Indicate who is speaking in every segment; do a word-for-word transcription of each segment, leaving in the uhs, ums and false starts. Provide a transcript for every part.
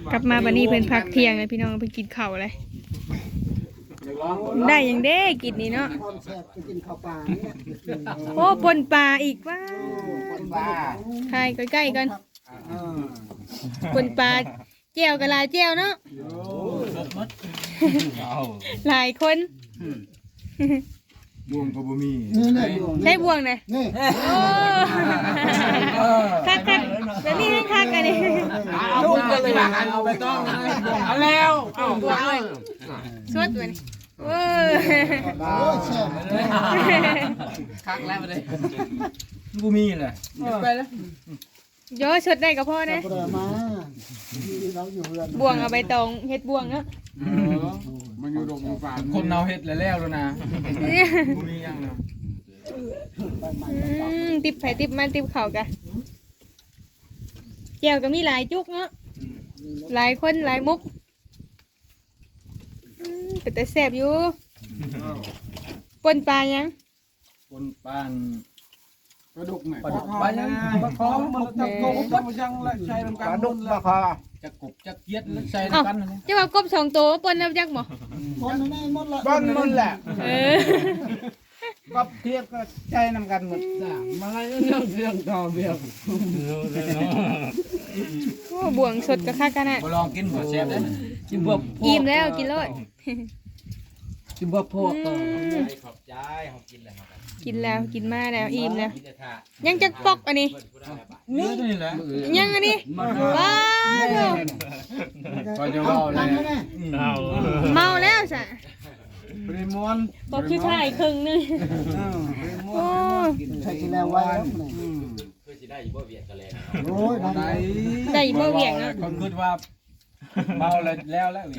Speaker 1: กลับมาบัดนี้เพิ่นพักเที่ยงเลยพี่น้องเพิ่นกินข้าวเลยได้ยังเด้กินนี่เนาะโอ้ปนปลาอีกว้าวทายใกล้ๆกันปนปลาแจ่วกับลายแจ่วเนาะหลายคน
Speaker 2: บ่วงก็บ่มี
Speaker 1: ใช้บ่วงเลยโอ้คักคักแบบนี้ให้คักกันดิ
Speaker 2: ลูกกันเลยเอาไปต้องเอาแล้วเอาตัวเอา
Speaker 1: สวดตัวนี้โอ้
Speaker 2: คักแล้วมาเลยบ่มีเลยไปแล้ว
Speaker 1: โยชดได้กับพ่อนะบ่วงเอาใบตองเฮ็ดบ่วงเนาะ
Speaker 2: มันอยู่ดงป่าคนเอาเฮ็ดแล้วแล้วนะบ่มียังนะ
Speaker 1: ติบไผ่ติบมันติบเข่ากันแก้วก็มีหลายจุกเนาะหลายคนหลายมุกเป็นแต่แซ่บอยู่ปนปลายัง
Speaker 2: ปนปลาปลาดุกไหม
Speaker 3: ปลาดุกปลายังปลาคอมันจะกบมันยังละใช้ลำกันปลาดุกปลาคอ
Speaker 2: จะกบจะเกียดแล้วใช้ลำกันนะ
Speaker 1: จะว่ากบสองตัวปนน้ำยักษ์หมอ
Speaker 3: ปนนั่นหมดละปนหมดแหละกบเทียบก็ใช้ลำกันหมดมาให้เรื่องเรื่องต่อเบี้ย
Speaker 1: โอ้บ่วงสดกับข้ากันนะ
Speaker 2: ลองกินหัวแซ่บได้
Speaker 3: กินบวบ
Speaker 1: อิ่มแล้วกินเลย
Speaker 3: กินบวบพวก
Speaker 2: ขอบใจเขากินแล้ว
Speaker 1: กินแล้วกินมาแล้วอิ่มแล้วยังจะปอกอันนี้
Speaker 2: นี่นี่แหละ
Speaker 1: ยังอันนี้ว้าว
Speaker 2: พอจะเมาเลย
Speaker 1: เมาแล้วสะ
Speaker 2: ปริมอน
Speaker 1: ปอกชื่อไทยครึ่งนึง
Speaker 3: โอ้ใช่ที่แล้วไว้
Speaker 4: คือสิได้บ่เวียดกันเลย
Speaker 3: โอ้ย
Speaker 1: ได้ได้บ่เวียดนะ
Speaker 2: คนคิดว่าเมาแล้วแล้วแล้ว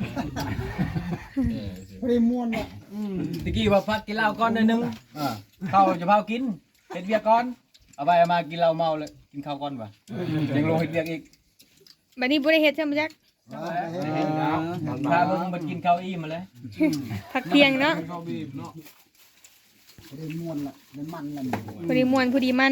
Speaker 3: ปริมอนอ่ะ
Speaker 2: ตะกี้ว่าพักกินเหล้าก้อนนึงเข้าจะเผากินเฮ็ดเบียร์ก้อนเอาไปเอามากินเหล้าเมาเลยกินข้าวก้อนว่ะยังลงเฮ็ดเบียร์อีก
Speaker 1: บัดนี้บ่ได้เฮ็ดใช่มั้ยจัก
Speaker 2: ถ้าลงมากินข้าวอิ่มมาเลย
Speaker 1: พักเที่ยงเนาะ
Speaker 3: ปริมอนล่ะมันมันล่ะ
Speaker 1: พอดีม่วนพอดีมัน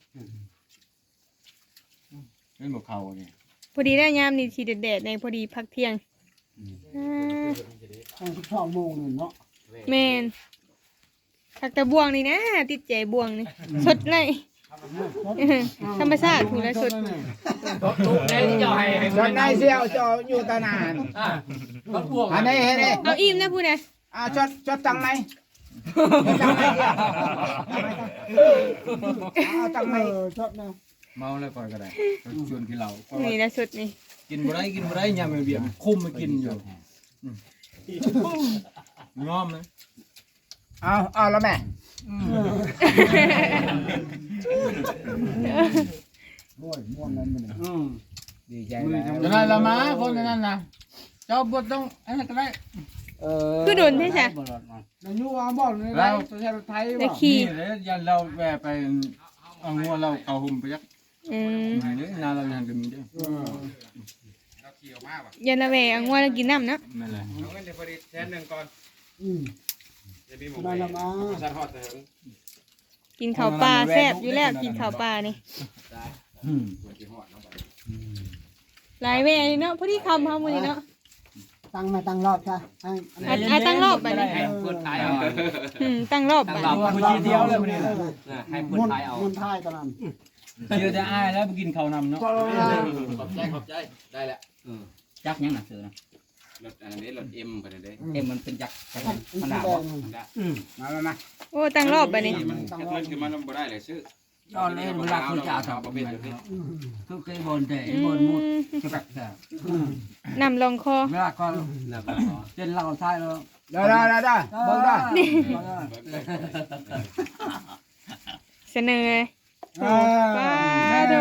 Speaker 2: เล่นบ่เข้านี่
Speaker 1: พอดีได้ยามนี่สิแดดๆในพอดีพักเที่ยง
Speaker 3: อ่าสิบสองโมงนึงเนาะ
Speaker 1: แม่นคักตะบ่วงนี่นะติดใจบ่วงนี่สดเลยธรรมชาติถูกแล้วสด
Speaker 4: ตุ๊กได้ที่จะให้
Speaker 3: จอดได้เสียวจออยู่ตานานอันนี้เห็นไหม
Speaker 1: เอาอิ่มนะพูดนะ
Speaker 3: อ่าจอดจอดตังไหมตังไหมเอาตังไหมจอดนะ
Speaker 2: เมาแล้วก่อนก็ได้ชวนกินเหล้า
Speaker 1: นี่นะสุดนี่
Speaker 2: กินบ่ได้กินบ่ได้ยามเบียร์คุ้มมากินอยู่งอมนะ
Speaker 3: เอาเอาแล้วแม่โอ้ยม่วนนั้นมันดีใจแล้ว
Speaker 2: จะได้ละมาคนนั้นนะเจ้าบดต้องอันนั้นก็ได้
Speaker 3: เออ
Speaker 1: คือโดนใช่ไหม
Speaker 3: นายยูเอาบอลเลยเราจะใช้รถไทย
Speaker 1: ว่าขี่
Speaker 2: เลยยันเราแวะไปเอางัวเราเอาหุ่มไปยัก
Speaker 1: อืม
Speaker 2: นี่นาเรายังกันมีเด้
Speaker 1: อยันละแวเอางัวเรากินน้ำนะ
Speaker 2: นั่นแหละ
Speaker 4: เอาเงินเดี๋ยวพอดีแทนหนึ่งก่อน
Speaker 3: อืม
Speaker 4: จะมีหมูไปสันหอดเถิง
Speaker 1: กินข้าวปลาแซ่บอยู่แล้วกินข้าวปลานี่หลายแวเนาะพอดีคำเขาหมดเลยเนาะ
Speaker 3: ตั้งมาตั้งรอบจ้ะ
Speaker 1: อ่ะตั้งรอบไปเลย
Speaker 4: เปิดท้ายเอา
Speaker 1: อืมตั้งรอบไป
Speaker 2: ผู้เดียวเลยวันนี้
Speaker 4: ให้เปิดท้ายเอา
Speaker 3: มุนท้ายตอนนั้น
Speaker 2: เดี๋ยวจะอ้ายแล้วไปกินข้าวนำเนาะ
Speaker 4: ขอบใจขอบใจได้แล้ว
Speaker 2: จักยังหนักเสือนะ
Speaker 4: รถอันนี้รถเอ็มไปเลย
Speaker 2: เอ็มมันเป็นจัก
Speaker 3: ขนาดมามามา
Speaker 1: โอ้ตั้งรอบไปนี่
Speaker 4: มันมันคือมันบ่ได้เลยซื้อ
Speaker 2: ตอนนี้เวลาคุณจะทำประเภทนี้ทุกทีบนแต่บนมุดจะแบบ
Speaker 1: นำลงคอ
Speaker 2: เวลาก็เจ็นเราท้ายแล้ว
Speaker 3: ได้ได้ได้ได้เบิ่งได้
Speaker 1: เสนอป้าดู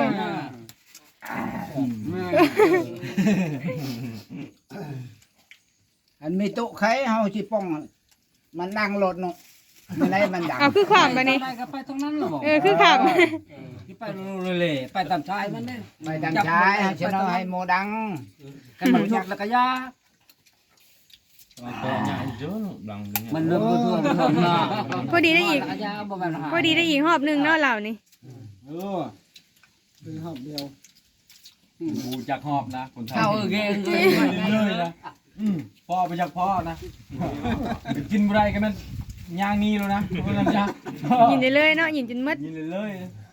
Speaker 3: อันมีโต๊ะไข่เฮาสิป้องมันดังรถเนาะไม่ได้มันดัง
Speaker 1: เอาคือขวามไปนี่
Speaker 2: ไปตรงนั้นหรอ
Speaker 1: เออคือขวาม
Speaker 2: ไปเลยไปตามชายมันเนี่ย
Speaker 3: ไปตามชายฉันเอาให้โมดัง
Speaker 2: กันมันยกแล้วก็ยามันเริ่มเพื่อน
Speaker 1: พอดีได้อีกพอดีได้อีกหอบหนึ่งเนาะเหล่านี่
Speaker 3: เออเป็นหอบเดียว
Speaker 2: บูจักหอบนะคนไทย
Speaker 3: เอาเก่ง
Speaker 2: เรื่อยๆนะอืมพ่อไปจากพ่อนะกินอะไรกันมันย่างนี้แล้วนะเพราะนั้นจ้ะ
Speaker 1: กินได้เลยเนาะกินจนหมด
Speaker 2: กินเลย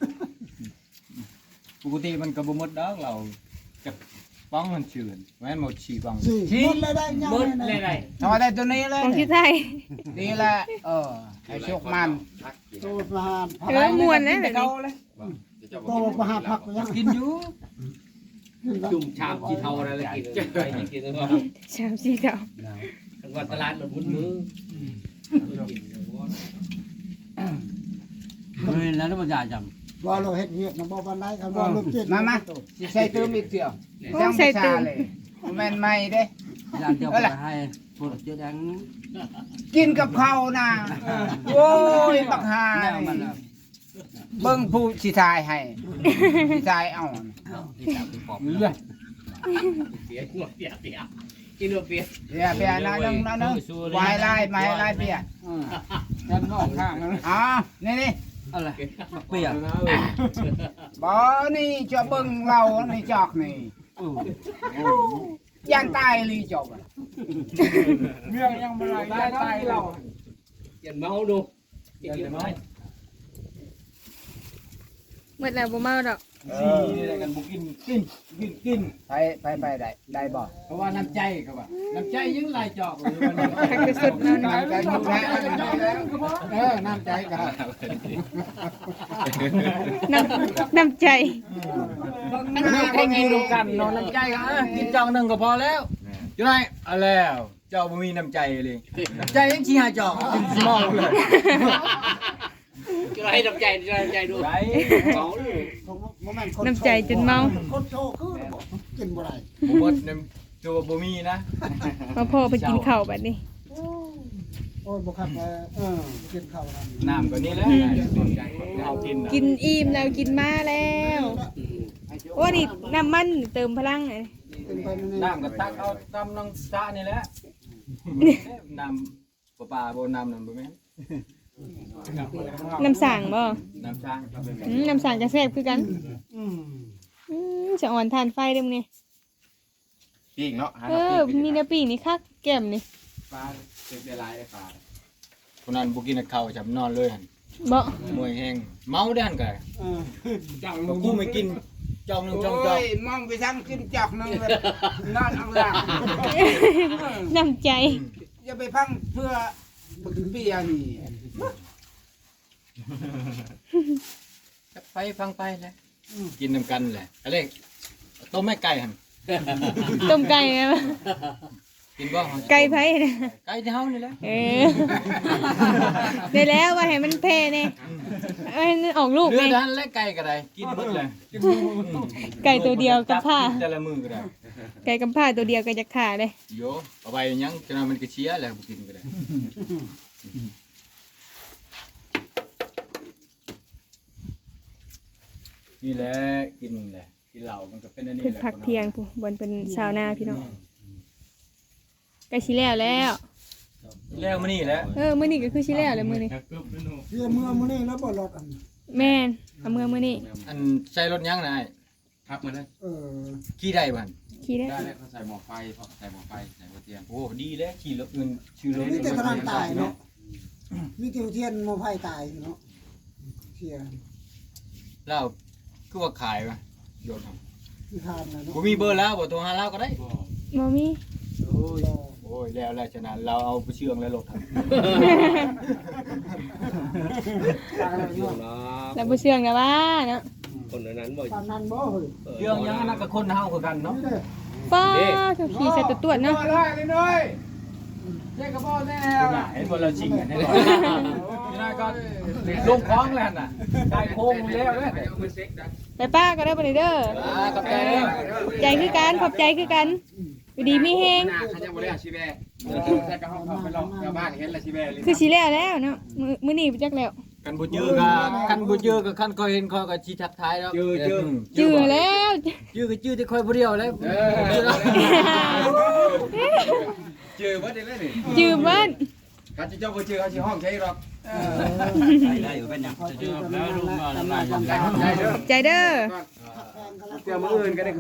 Speaker 2: ๆปกติมันก็บ่หมดดอกเราจะป้องมันชื่นแม่นหมดฉี่ป้อง
Speaker 3: ชี้เลยได้ยังเลยได้ทำไมได้ตัวนี้เลย
Speaker 1: ของที่ไทย
Speaker 3: นี่แหละเออให้โชคมัน
Speaker 5: ตัวประหาร
Speaker 1: เออม่วนนะแบบนี้
Speaker 5: ตัวประหารผักยัง
Speaker 2: กินอยู่
Speaker 6: จุ่มชามกี่เท่าอะไรแล้วกินจะไปกินแล้ว
Speaker 1: ชามสีเทา
Speaker 6: วันตลาดมันมุนมือ
Speaker 3: เฮ้ยแล้วมันใหญ่จัง
Speaker 5: ว่าเราเฮ็ดเวียกนะบ่ปานใดครับว่าลูกเจ็ด
Speaker 3: มามาสิใส่ตื้มอีกเดียวใส่ตื้มเลยแม่นไม่เด้
Speaker 7: ยานเดียวกันให้พวกเจ๊แดง
Speaker 3: กินกับข้าวนะโอ้ยบักฮา
Speaker 7: แนวมันน่ะ
Speaker 3: เบิ่งผู้สิทายให้สิทายเอา
Speaker 7: ที่จับที่ปอบ
Speaker 3: เรื่อง
Speaker 6: เปียกหัวเปียกเปียกกินเปียก
Speaker 3: เบียร์เบียร์นะนึงนะนึงไว้ไล่ไม้ไล่เบียร์
Speaker 2: ด้านนอกข้างนะ
Speaker 3: อ๋อนี่นี่
Speaker 7: อะไรมักเปียก
Speaker 3: บ่นี่จะเบิ่งเรานี่จอกนี่ยันตายลีจบ
Speaker 2: เรื่องยังบ่ได้ตายเรา
Speaker 6: กินเมาดูกินเมา
Speaker 1: หมดแล้วบ่เมาดอก
Speaker 2: สี่นี่ได้กันบ่กินกินกินกิน
Speaker 3: ไปไปไปได้ได้บ่
Speaker 2: เพราะว่าน้ำใจครับว่าน้ำใจยังหลายจอกเลยวันนี้
Speaker 1: หักไปสุดเนาะ
Speaker 3: น้ำใจหมดแล้วเออน้ำใจกัน
Speaker 1: น้ำน้ำใจ
Speaker 2: คนอยู่ร่วมกันเนาะน้ำใจกันอ่ะกินจอกหนึงก็พอแล้วอยู่ไหนเอาแล้วเจ้าบ่มีน้ำใจเลยน้ำใจยังสิหาจอกกินสิเมาเลย
Speaker 6: จะให้น้ำใจจะน้ำใจดู
Speaker 2: ไร
Speaker 6: เมาดู
Speaker 1: น้ำใจจนเมา
Speaker 5: คนโชว์คือกินบ่ได้
Speaker 2: บ่หมดน้ำตัวบ่มีนะ
Speaker 1: มาพ่อไปกินข้าวบัดนี้
Speaker 5: โอ้ยบ่ครับเออกินข้าวนั่น
Speaker 2: น้ำก็นี่แหละเอากินน่ะ
Speaker 1: กินอิ่มแล้วกินมาแล้วโอ้นี่น้ำมันเติมพลังเลย
Speaker 5: กินไปนี่
Speaker 2: น้ำก็ตักเอาตำน้องสะนี่แหละน้ำปลาปลาบ่น้ำนั่นบ่แม่น
Speaker 1: น้ำสั่งบ่
Speaker 2: น้ำช้าง
Speaker 1: อืมน้ำสั่งกระแซ่บคือกัน
Speaker 5: อืม
Speaker 1: อืมจะอ่อนทานไฟเด้มนี่
Speaker 4: ปีกเนาะหา
Speaker 1: เออมีน้ำปีนี่คักแก้มนี่
Speaker 4: ปลาเจ็บได้หลายได้ปลา
Speaker 2: คนนั้นบ่กินข้าวจับนอนเลยหั่น
Speaker 1: บ่
Speaker 2: มวยแห้งเมาได้หั่นก็
Speaker 5: เออ
Speaker 2: จังกูไม่กินจองหนึงจองจอ
Speaker 3: โอ้
Speaker 2: ง
Speaker 3: ยมองไปทางกินจอกนึงเลยนอนเอาล่ะ
Speaker 1: น้ำใจ
Speaker 3: อย่าไปพังเพื่อเบียร์นี่
Speaker 2: จะไปฟังไปแหละกินนำกันแหละอะไรต้มแม่ไก่หั่น
Speaker 1: ต้มไก่นะ
Speaker 2: กินบ่
Speaker 1: ไก่ไผนะ
Speaker 2: ไก่ที่เฮานี่แหละ
Speaker 1: เออได้แล้วว่าให้มันแพ้แน่ให้มันออกลูก
Speaker 2: เรือ
Speaker 1: แน่
Speaker 2: ดันและไก่ก็ได้กินหมดเลย
Speaker 1: ไก่ตัวเดียวกับผ้า
Speaker 2: แต่ละมือก็ได้
Speaker 1: ไก่กับผ้าตัวเดียวก็จะขาดเลย
Speaker 2: โยเอาไปยังจนว่ามันก็เชียแล้วบ่กินก็ได้นี่แหละกินแหละกินเหล้ามันก็เป็นอันนี้
Speaker 1: เพิ่น
Speaker 2: แหละ
Speaker 1: พักเที่ยงผู้บนเป็นชาวนาพี่น้องใกล้สิแล้วแล้ว
Speaker 2: แล้วมื้อนี้แหละ
Speaker 1: เออมื้อนี้ก็คือสิแล้วแล้วมื้อนี้
Speaker 5: เที่ยเมื่อมื้อนี้แล้วบ่รถอัน
Speaker 1: แม่นเอามื้อมื้อนี้
Speaker 2: อันใช้รถยังนาย
Speaker 4: ครับมาเลย
Speaker 5: เออ
Speaker 2: ขี่ได้บ่หั่น
Speaker 1: ขี่ได้
Speaker 4: ได้เลยเขาใส่หม้อไฟเพราะใส่หม้อไฟใส่หัวเตียง
Speaker 2: โอ้ดีแล้วขี่รถเงินชื่อรถ
Speaker 5: มีแต่กระดานตายเนาะมีแต่เทียนโมไผตายเนาะเที่ย
Speaker 2: แล้วคือว่าขายป่ะโยนเอา
Speaker 5: ที่ทานนะเนาะ
Speaker 2: บ่มีเบอร์แล้วบ่โทรหาเราก็ได้
Speaker 1: บ่มี
Speaker 2: โอ้ยโอ้ยแล้วแล้วฉะนั้นเราเอาไปเชื่องแล้วรถครับ
Speaker 1: แล้วบ่เชื่องนะว่าเนาะ
Speaker 6: คนนั้นบ่
Speaker 5: ปานนั้นบ่เฮ้ย
Speaker 2: เชื่องยังอันนั้นกับคนเฮาคือกันเนาะ
Speaker 5: นี่เด้อ
Speaker 1: ป้าเขาขี่ใส่ตัวตรวจเนาะ
Speaker 3: เลยเลยเลยเจ๊กระบอกแน่ล่ะ
Speaker 2: เห็นบ่เราชิงกันแน่นี่นะก็ลงคล้องแล้วน่ะได้โค้งแล้วเด้
Speaker 4: เอามาเซ็กดัน
Speaker 1: ไปป้าก็ได้บ่นี่เด้อ
Speaker 2: อ่ากับใจเด้อ
Speaker 1: ใจคือกันขอบใจคือกันอยู่ดีมีแฮง
Speaker 4: หน้าเขาจะบ่ได้ชีแบใส่กระห้องเขาไปลองชาวบ้านเห็นแล้วชีแบเลย
Speaker 1: คือสิแล้วแล้วเนาะมื้อมื้อนี้จักแล้ว
Speaker 2: กันบ่เจอก็กันบ่เจอก็คันก็เห็นเขาก็สิทักทายแล้วเจอเจอ
Speaker 1: จื้อแล้ว
Speaker 2: จื้อก็จื้อแต่ค่อยผู้เดียวแล้ว
Speaker 4: เออเจอว่าได้เลยนี่
Speaker 1: จื้อเบิ่น
Speaker 4: เขาจะเจ้าบ่เจอเขาสิห้องใช้หรอก
Speaker 7: ได้อยู่เป็นหยัง
Speaker 5: แล้วลุงมาแล้ว
Speaker 4: ได้ครับได้เด้อ
Speaker 1: ใจเด้อ
Speaker 5: แพงกันแล้ว
Speaker 4: เดี๋ยวมื้ออื่นก็ได้